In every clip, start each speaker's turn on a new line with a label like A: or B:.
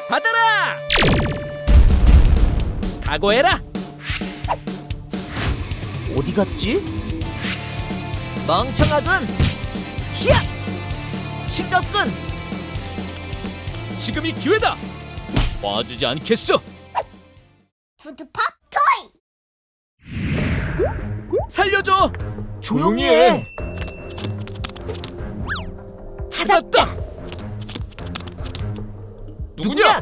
A: 받아라! 각오해라!
B: 어디 갔지? 멍청하군! 히야! 싱겁군!
A: 지금이 기회다! 봐주지 않겠어!
C: 푸드팝 토이.
A: 살려줘!
B: 조용히 해!
A: 찾았다! 누구냐?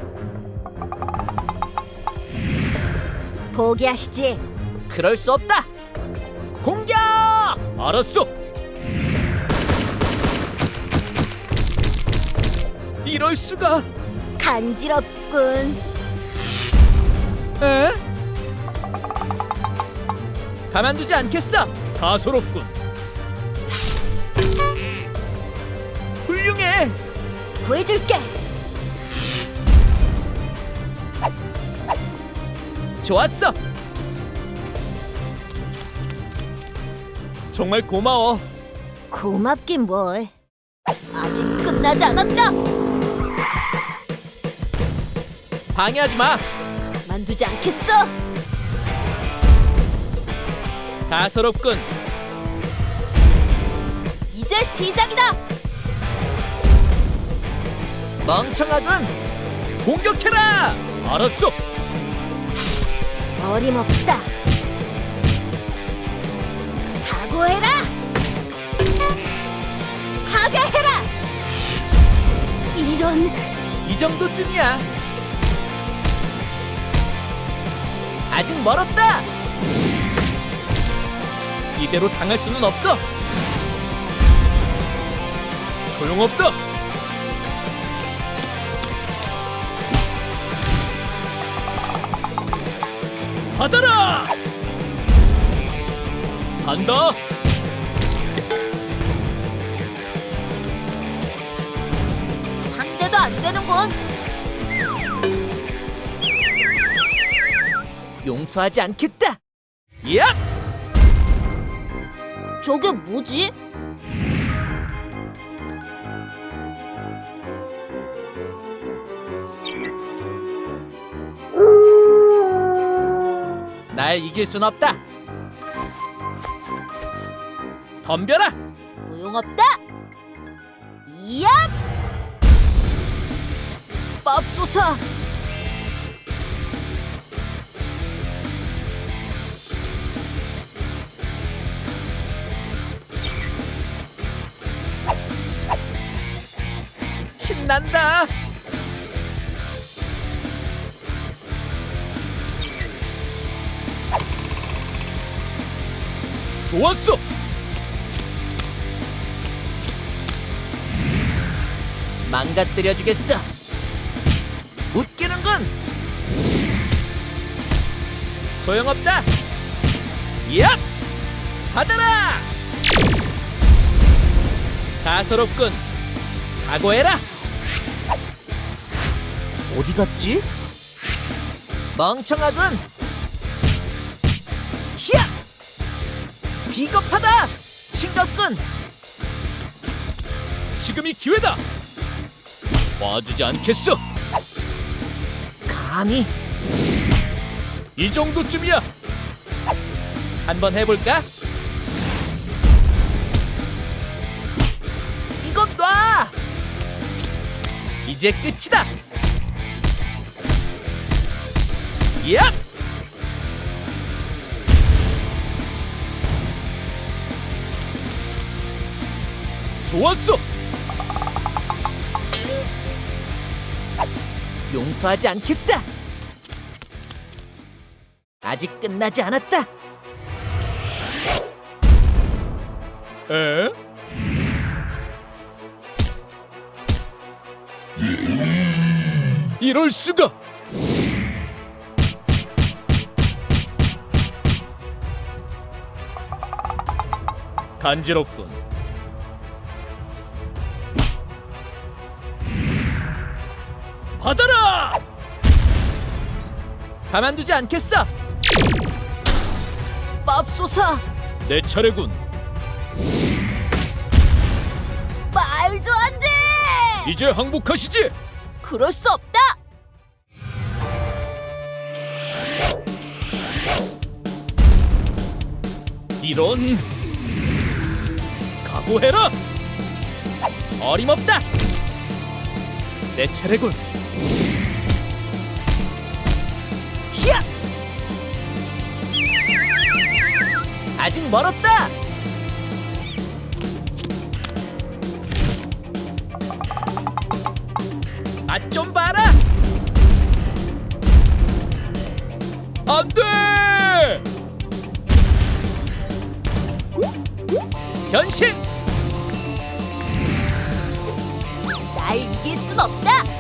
B: 포기하시지. 그럴 수 없다. 공격!
A: 알았어! 이럴 수가!
B: 간지럽군.
A: 에? 가만두지 않겠어! 다소롭군! 훌륭해!
B: 구해줄게.
A: 좋았어! 정말 고마워!
B: 고맙긴 뭘. 아직 끝나지 않았다.
A: 방해하지 마!
B: 만두지 않겠어.
A: 다소롭군!
B: 이제 시작이다. 멍청하군.
A: 공격해라! 알았어!
B: 어림없다. 각오해라. 파괴해라. 이런.
A: 이 정도쯤이야! 아직 멀었다! 이대로 당할 수는 없어! 소용없다! 받아라! 간다!
B: 상대도 안 되는군. 용서하지 않겠다.
A: 야!
B: 저게 뭐지?
A: 날 이길 순 없다! 덤벼라!
B: 소용없다. 이야! 맙소사.
A: 신난다! 좋았어!
B: 망가뜨려주겠어. 웃기는군.
A: 소용없다! 야! 받아라! 다소롭군! 각오해라!
B: 어디 갔지? 멍청하군. 히야! 비겁하다. 싱겁군.
A: 지금이 기회다! 봐주지 않겠어!
B: 감히.
A: 이 정도쯤이야! 한번 해볼까?
B: 이것 놔.
A: 이제 끝이다! 야! 좋았어!
B: 용서하지 않겠다. 아직 끝나지 않았다.
A: 에? 이럴 수가! 간지럽군. 받아라! 가만두지 않겠어!
B: 맙소사.
A: 내 차례군.
B: 말도 안 돼.
A: 이제 항복하시지!
B: 그럴 수 없다.
A: 이런. 각오해라. 어림없다. 내 차례군.
B: 히야! 아직 멀었다.
A: 맛 좀 봐라. 안 돼. 변신.
C: 날 이길 순 없다.